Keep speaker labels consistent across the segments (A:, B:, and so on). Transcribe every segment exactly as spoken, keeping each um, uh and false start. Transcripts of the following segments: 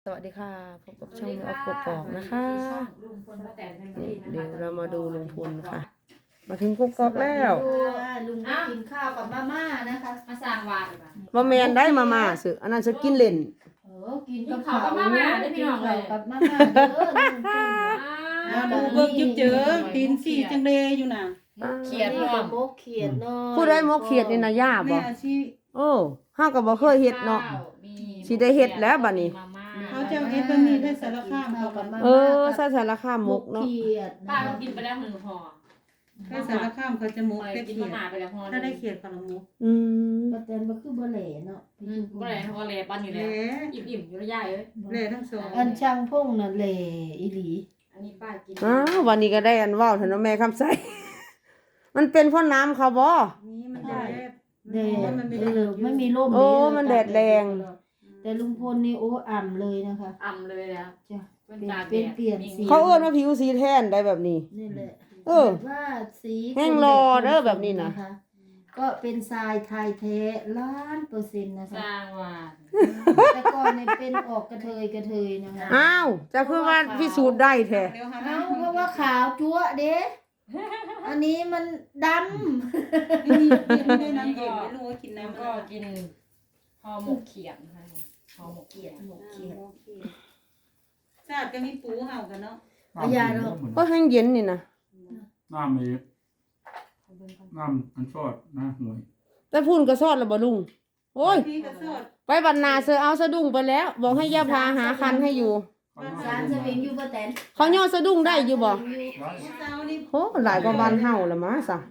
A: สวัสดีค่ะพบกับช่องออฟกกอกนะคะเดี๋ยวเรามาดูลุงพลค่ะ มาถึงกกอกแล้ว
B: ลุงกินข้าวกับมาม่านะคะ
C: มาสร้างวาด
A: มาแมนได้มามาสึอันนั้นจะกินเล่น
B: เออกินกับ
C: ข้าวกับมาม่าได้พี่น้องเลย
B: กับมาม่าเด้อลุงพล
D: ดูเบิกยึกเจอตีนสี่จังเลยอยู่น่ะ
B: เขียดกับมกเขียดเนาะ
A: ผู้ได้มกเขียดนี่นะย่าบ่โอ้ห้าก็บ่เคยเฮ็ดเนาะสิได้เฮ็ดแล้วบัดนี้
D: เขาจะเฮ็ดบะหมี่ได้สารคามเขากับ
A: เออใส่สารคามมกเนาะ
C: ป้าก็กินไปแล้วหนึ่งห่อ
D: ได้สารคามเขาจะมกได้
C: กิน
D: เขียด
C: มาไปแล้วห่อ
D: ถ้าได้เขียดเขาละมก
A: อืม
B: ประเด็นมันคือบ่แหล่เนาะ
C: บ่แหล่เขาก็แหล่ปั้นอยู่แล้วอิ่มๆอยู่ระยะเอ้ย
D: แหล่ทั้งสอง
B: อันช่างพงน่ะแหล่อีหลี
C: อันนี้ป้ากิน
A: อ้าววันนี้ก็ได้อันว้าวท่านแม่คำใสมันเป็นเพราะน้ำเขาบ่
D: นี่มันแดด
B: แดดเออไม่มีลม
A: โอ้มันแดดแรง
B: แต่ลุงพลนี่โอ้อ่ำเลยนะคะ
C: อ่ำเลยแล้ว
B: จ้ะเป็นเปลี่ยนสี
A: เขาเอิ้นว่าผิวสีแทนได้แบบนี้
B: นี่แหละ
A: เออ
B: ว่าสี
A: แห้งรอเด้อแบบนี้นะ
B: ก็เป็นทรายไทยแท้ล้านเปอร์เซ็นต์นะคะ
C: สร้างวาด
B: แต่ก่อนเนี่ยเป็นออกกระเทยกระเทยนะคะ
A: อ้าวจะคือว่าพิสูจน์ได้แท้
B: เอ้าเพราะว่าขาวจั๊วเด้อันนี้มันด
D: ำนี่ไม่ได้น้ำเย็นไม่รู้ว่ากินน้ำ
C: ก็กินห่อหมกเขียดนะคะห่อหมกเขียด
B: หมกเขียด
D: ชาติก็มีปูเห่ากันเนาะ
B: พยาเนาะ
A: ก็แห้งเย็นนี่นะ
E: น้ำมีน้ำมันซอดนะหน่วย
A: แต่พูนก็ซอดแล้วบ่ลุงโอ้ยไปบรรณาเสือเอาสะดุ้งไปแล้วบอกให้ย่าพาหาคันให้อยู่
B: สารสวิงอยู่บ่แตน
A: เขาย่อสะดุ้งได้อยู่บ่โหหลายกว่าบ้านเฮาละมาซะ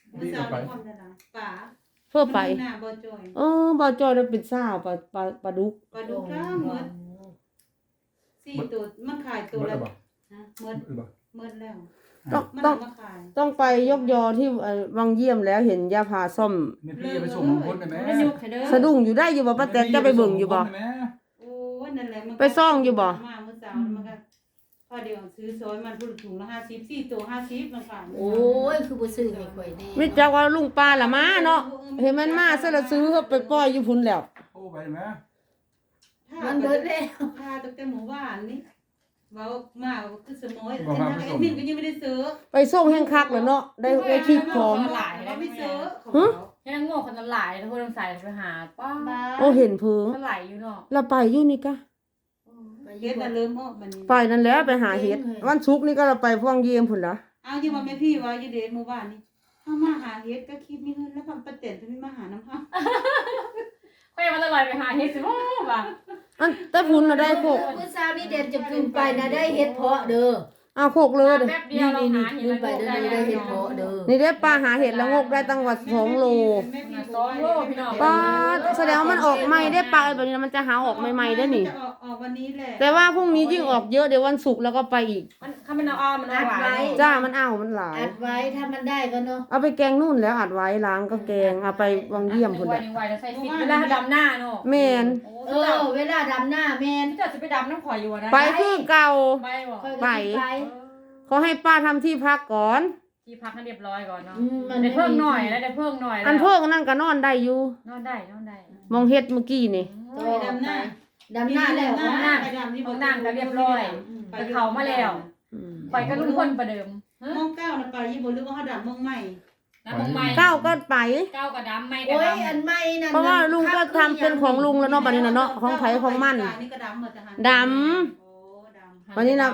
A: เพื่อไปเออบ่จอยได้เป็นสาวปลาปลาปลาดุก
D: ปลาดุกล่าหมดสี่ตัวมันขายตัวละนะหมดหมดแล้ว
A: ต้องต้องต้องไปยกยอที่วังเยี่ยมแล้วเห็นย่าพาซ่อม
E: พี่ไปส่งลุงพลได้ไหม
A: สะดุ้งอยู่ได้อยู่บ่ป้าแตนจะไปเบิ่งอยู่บ่
D: โอ้นั่นแหละมัน
A: ไปซ่องอยู่บ่
D: มาเมื่อเช้ามันก็พอเดี๋ยวซื้อซอยมันพุ่นถุงละห้าสิบสี่ตัวห้าสิบมันขาย
B: โอ้ยคือบ่ซื้อให้ข่อยแน่
A: มิจักว่าลุงป้าละมาเนาะเห็นมันมาซะแล้วซื้อเฮาไปปล่อยอยู่พุ่นแล้ว
E: โอ้ไปมั้ย
B: มันเบิดแล้ว
D: พาตั้งแต่หมู่บ้านนี่เว้ามาคือสมอยแต่ทางแอดมินก็ยังไม่ได้ซื้อ
A: ไปส่งแห่งคักแล้วเนาะได้ได้คลิปพร้อม
D: เราไม่ซื้อ
A: ฮะ
C: ให้นางโง่คนนั้นหลายแล้วคนใส่ไปหาป้า
A: โอ้เห็นเพิ่ง
C: ไหลอยู่เนาะ
A: เราไปอยู่นี่กะ
D: เฮ็ดน่ะเริ่มออกบัดนี้
A: ไปนั่นแล้วไปหาเฮ็ดวันศุกร์นี่ก็เราไปพ่วงเยี่ยมพุ่นล่ะ
D: อ้าวอยู่ว่าแม่พี่ว่าอยู่เด้หมู่บ้านนี่เฮามาหาเฮ็ดก็คิดมีเงินแล้วความประเต็นเพิ่นมาหาน้ำเฮา
C: ไปมันอร่อยไปหาเฮ็ดสิบ่ว่า
A: อันแต่พุ่นน่ะได้โคก
B: มื้อเช้านี้เด่นจะขึ้นไปนะได้เฮ็ดเพาะเด้อ
A: อ้าวโคกเลย
C: นี่นี่นี่
B: ขึ้นไปเด้อได้เฮ็ดเพาะเด้อ
A: นี่ได้ปลาหาเห็ดละงกได้ตั้งว่าสองโล
C: สองโลพี่น้อง
A: ปลาแสดงว่ามันออกใหม่ได้ปลาแบบนี้มันจะหาออกใหม่ๆได้นี่
D: ออกออกวันนี้แหละ
A: แต่ว่าพรุ่งนี้ยิ่งออกเยอะเดี๋ยววันศุกร์แล้วก็ไปอีก
C: มันถ้ามันเอามันเอาหลาย
A: จ้ามันเอามันหลาย
B: อัดไว้ถ้ามันได้ก็เนาะ
A: เอาไปแกงนู่นแล้วอัดไว้ล้างก็แกงเอาไปวังเยี่ยมพุ่นแหละ
C: เวลาดำหน้าเนาะ
A: แม่น
B: เออเวลาดำหน้าแม่น
C: พี่จะไปดำน้ำข่อยอยู่นะ
A: ไปคือเก่า
C: ไปบ่
A: ไปเขาให้ป้าทำที่พักก่อน
C: ที่พักให้เรียบร้อยก่อนเนาะได้เพิ่มหน่อยแล้วได้เพิ่มหน่อย
A: อันเพิ่มนั่นก็นอนได้อยู่
C: นอนได้นอนได้
A: มองเฮ็ดเมื่อกี้นี่
D: ดำหน้า
B: ดำหน้าแล้ว
C: ห้องน้ำห้องน้ำก็เรียบร้อยไปเขามาแล้วไปกับลุงพลประเดิม
D: มองเก้าน่ะไปยี่บ่รู้ว่าเฮาดำมองใหม่
C: น้ำมองใหม่
A: เก้าก็ไป
C: เก้าก็ดำใหม่ก็ดำ
B: โอ้ยอันใหม่นั่น
A: เพราะว่าลุงก็ทำเป็นของลุงแล้วเนาะบัดนี้น่ะเนาะของไผของมัน
D: นี่ก็ดำหมดจ้ะ
A: ดำโอ้ดำวันนี้นะ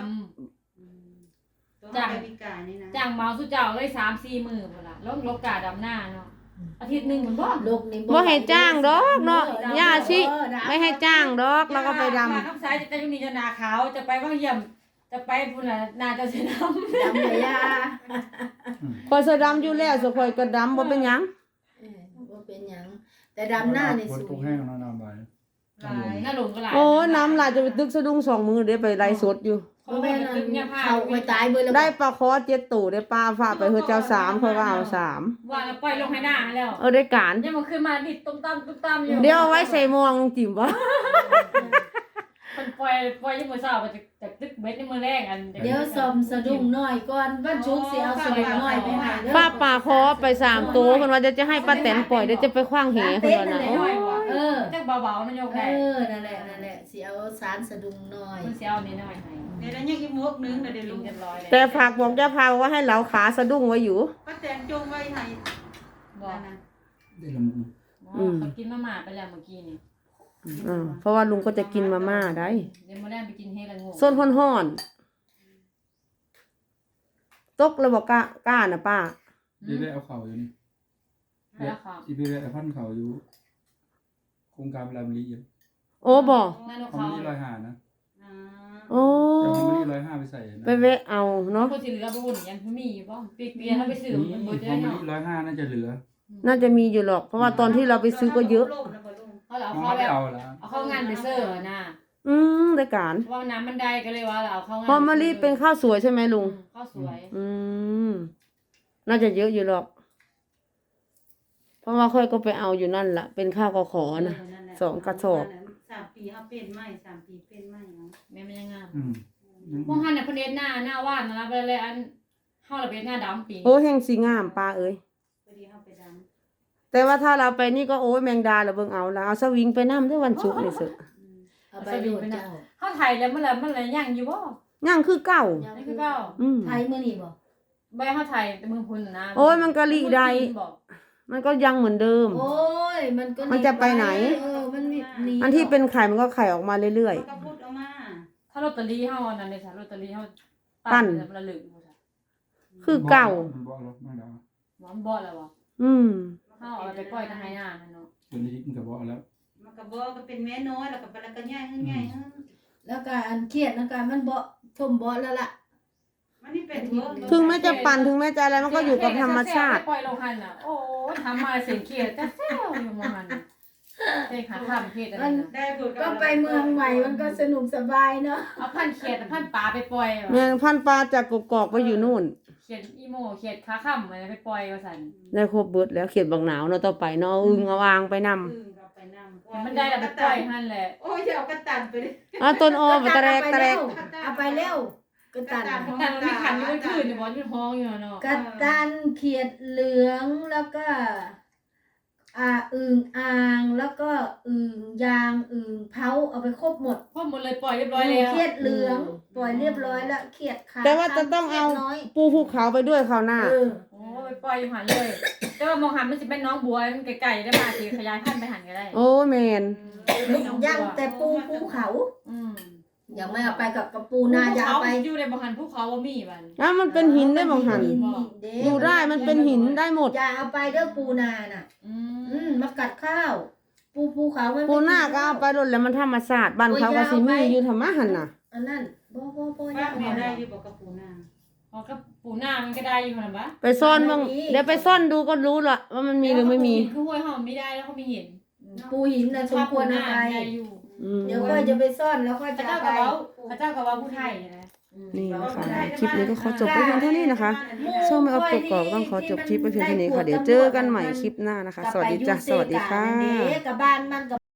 C: จ้างจ้างเมาสุเจ้าเลยสามสี่หมื่นละลงลกกาดำหน้าเนาะอาทิตย์หนึ่งเหมือนบ่
B: ลกนี่
A: บ่ให้จ้างดอกเนาะย่าชิไม่ให้จ้างดอกแล้วก็ไปดำ
C: น้ำซ้ายจะอยู่นี่จะนาขาวจะไปว่างเยี่ยมจะไปพุ่นน่ะนาจะเสน้ำ
B: ดำเลยย่า
A: คอยเสดำอยู่แล้วสคอยก็ดำบ่เป็นหยัง
B: บ่เป็นหยังแต่ดำหน้านี่
E: สวยแห้งนะน้ำไหล
C: น้าหลงก็ไหล
A: โอ้น้ำไหลจะไปตึกสะดุ้งสองมือเดี๋ยวไปไล่สดอยู่
B: เขาไปตายเบอร์
A: ได้ปลาคอเจ็ดตู่ได้ปลาฝากไปเฮือเจ้าสามเพราะว่าเอาสาม
C: ว่าแล้วปล่อยลงให้หน้าแล้ว
A: เออได้การ
C: ยังมันขึ้นมาดิดตุ้มตามตุ้มตามอยู่
A: เดี๋ยวเอาไว้ใส่มวงจิ๋มวะ
C: มันปล่อยปล่อยยังมือสาวไปจากตึกเบ็ดในมือแรกอัน
B: เดี๋ยวซอมสะดุ้งหน่อยก่อนบ้านชุกสิเอาสะดุ้งหน่อยไปให้
A: ป้าปลาคอไปสามตัวคนว่าจะจะให้ป้าแตนปล่อยเดี๋ยวจะไปคว้างเหคนว่าน่ะ
B: เอเออ
C: จักเบาๆมันยก
B: เอ
C: ได้
B: อนั่นแหละนั่นแหละสิเอาสารสะดุ้งหน่อย
C: มันสิเอานิดหน่อยให้
D: เดี๋ยวนั้นยังอีกมวกนึงเดี๋ยว
C: กิ
D: ลุ
C: น
D: ง
C: เรียบร้อยแล้ว
A: แต่ฝากบอกย่าพาว่าให้เหลาขาสะดุ้งไว้อยู่
D: ป้าแตนจงไว้ให้
C: บอก
D: นะ
E: ได้ละมุน
C: อ๋อเขากินมาม่าไปแล้วเมื่อกี้นี่
A: อ่าเพราะว่าลุงก็จะกินมาม่าได้
C: เดี๋ยวมื้อแรกไปกินเฮละงู
A: ส้นห้อนๆตกแล้วบอกกล้ากล้าน่ะป้า
E: ได้ได้เอาเข่าอยู่นี่
C: แล้วค่ะ
E: ที่พี่ได้เอาพันเข่าอยู่โครงการเวลามันรีอยู่
A: โอ้บอก
C: นั่นนก
E: เขา
C: เขา
E: ไม่ได้ร้อยห้านะ
D: อ่า
A: โอ้
E: แต่เขาไม่ได้ร้อยห้าไปใส่นะ
A: ไปเวะเอาเนาะ
C: คนที่เหลือบ่วุ่นยังมีอยู่บ่เปียกๆเฮาไปซื้อ
E: นี่
C: มัน
E: เขา
C: บ่ได้
E: ไม่
C: เนาะ
E: ได้ร้อยห้าน่าจะเหลือ
A: น่าจะมีอยู่หรอก เพราะว่าตอนที่เราไปซื้อก็เยอะ
D: ล่มแล้วบ่ลุง
C: เขาเอา
E: เขา
C: เข้าแบ
E: ไม่
C: บ
E: เอาละ
C: เอาเข้างานไปเสิร์ฟน่ะ
A: อืมได้การ
C: เพราะว่าน้ำมันได้ก็เลยว่าเราเอาเข้างาน
A: พอมารีเป็นข้าวสวยใช่ไหมลุง
C: ข้าวสวย
A: อืมน่าจะเยอะอยู่หรอก เพราะว่าค่อยก็ไปเอาอยู่นั่นล่ะ เป็นข้าวกขอนะ สองกระสอบ
D: สามปีเอาเป็นไหมสามปีเป็นไหมเนาะ
C: แม่มันยังงาม
E: อืม
C: พวกหันน่ะเพิ่นเฮ็ดหน้าหน้าว่านนะไปเลยอันเฮาละเป็นหน้าดำปี
A: โอ้แห้งสีงามปลาเอ้ย
D: พอดีเอาไปด
A: แต่ว่าถ้าเราไปนี่ก็โอ้ยแมงดาเราเบิ่งเอาแล้วเอาสวิงไปน้ำด้วยวันศุกร์นี่สิ
B: เอาไปโดดเจ้า
C: เฮาไทยแล้วมันละมันละยังอยู่บ่
A: ย่างคือเก่า
C: นี่คือเก่า
A: อืม
B: ไทยมื้อนี้บ่
C: ใบเฮาไทยแต่เมืองพุ่นน่ะนะ
A: โอ้ยมันกะลิได้
C: บอก
A: มันก็ยังเหมือนเดิม
B: โอ้ยมันก็
A: มันจะไปไหน
B: เออมันมีหนี
A: อันที่เป็นไข่มันก็ไข่ออกมาเรื่อย
D: ำก็พูดออกมา
C: ถ้าลอตเตอรี่เฮาอันนั้นเด้ซะลอตเตอรี่เฮา
A: ปั้น
C: ละลึกบ่ซะ
A: ๆ คือเก่า
E: มันบอกแล้วไม่ได้
C: หมอนบ่แล้วบ่
A: อืม
C: เฮาเอาไปปล่อยทางไหนน่ะเนาะ
E: ตัวนี้มันก็บอกแล้ว
D: มันก็บอกก็เป็นแม่น้อยแล้วก็ไปแล้วก็ง่ายขึ้นง่ายขึ้น
B: แล้วก็อันเครียดแล้วก็มันบ่ทมบ่แล้วล่ะ
D: มันนี่เป็นเวิร์ก
A: ถึงแม้จะปั่นถึงแม้จะอะไรมันก็อยู่กับธรรมชาติ
C: ปล่อยลงหันน่ะโอ้ทำมาเสียงเขียดจะแซวอยู่มหันเฮ้ยขาข้ามเขียดอันนั้นน่ะ
D: ได้ผล
B: ก็ไปเมืองใหม่มันก็สนุกสบายเนาะ
C: เอาพันเขียดพันปลาไปปล่อย
A: แมงพันปลาจากกกอกไปอยู่นู่น
C: เขียดอีโมเขียดขาข้ามอะไรไปปล่อยว่าซั่น
A: ได้ครบเบิดแล้วเขียดบักหนาวเนาะต่อไปเนาะอึงเอาวางไปนำ
D: อึ่งเราไปนำ
C: มันได้แล้วไปปล่อยหั่นแหละ
D: โอ้ยอย่าเอากระตันไปเลย
A: อ่ะต้นอ้อมตะแรกตะแรก
B: เอาไปเร็วกระตัน
C: แต่มันมีขันอยู่บนพื้นอยู่บ่อยู่ห้องอยู่เนาะ
B: กระตันเขียดเหลืองแล้วก็ อ่าอึ่งอ่างแล้วก็อึ่งยางอึ่งเผาเอาไปครบหมด
C: พอหมดเลยปล่อยเรียบร้อยแล้ว
B: เขียดเหลืองปล่อยเรียบร้อยแล้วเขียดขาว
A: แต่ว่าจะต้องเอา
B: ขียดน้ย
A: ปูภูเขาไปด้วยคราวหน้า
B: เออ
C: โอ้ไปปล่อยอยู่หันเลย แต่ว่ามองหันมันสิเป็นน้องบัวมันไกลๆได้มาสิขยายพันธุ์ไปหันก็ได้
A: โอ้แมน
B: ย่างแต่ปูภูเขา
C: อืม
B: อย่าไม่เอาไปกับกระปูนาอย่าเอาไป
C: อยู่ในบ่หันภูเขาบ่มีบัด
A: แล้วมันเป็นหินได้บางหัน
B: เด้
A: อยู่ได้มันเป็นหินได้หมด
B: อย่าเอาไปเด้อปูนาน่ะ
C: อื
B: อื
C: ม
B: มมากัดข้าว ปูภูเขามันไม่
A: ปูหน้าก็เอาไปรถแล้วมันธรรมศาสตร์บ้านเขาก็สิมีอยู่ธรรมะหันน่ะ
B: อันนั้นบ่บ่บ่อย่า
D: ว่า
B: เอา
D: แม่
B: ไป
D: ได้อยู่บอกกับปูนา
C: อ๋อก็ปูหน้ามันก็ได้อยู่หั่นบ่
A: ไปซ่อนบ้างเดี๋ยวไปซ่อนดูก็รู้ละว่ามันมีหรือไม่มี
C: คือห้วยเฮาไม่ได้แล้วเขาไม่เห็น
B: ปูหินน่ะสมควรเอาไป
C: ได้อยู่
A: อืม
B: เดี๋ยวค่อยจะไปซ่อนแล้วค่อย
C: พ
B: จะ
C: ระเจ้า
B: เอา
C: ก็
B: ไป
C: เว้าพระเจ้าก็เว้าผู้ไทยนะ
A: นี่นะคะ คลิปนี้ก็ขอจบไปเพียงเท่านี้นะคะช่วงไม่เอาปกกรอบต้องขอจบคลิปไปเพียงเท่านี้ค่ะ เดี๋ยวเจอกันใหม่คลิปหน้านะคะ สวัสดีจ้ะสวัสดีค่ะ
B: กับบ้านมันกับ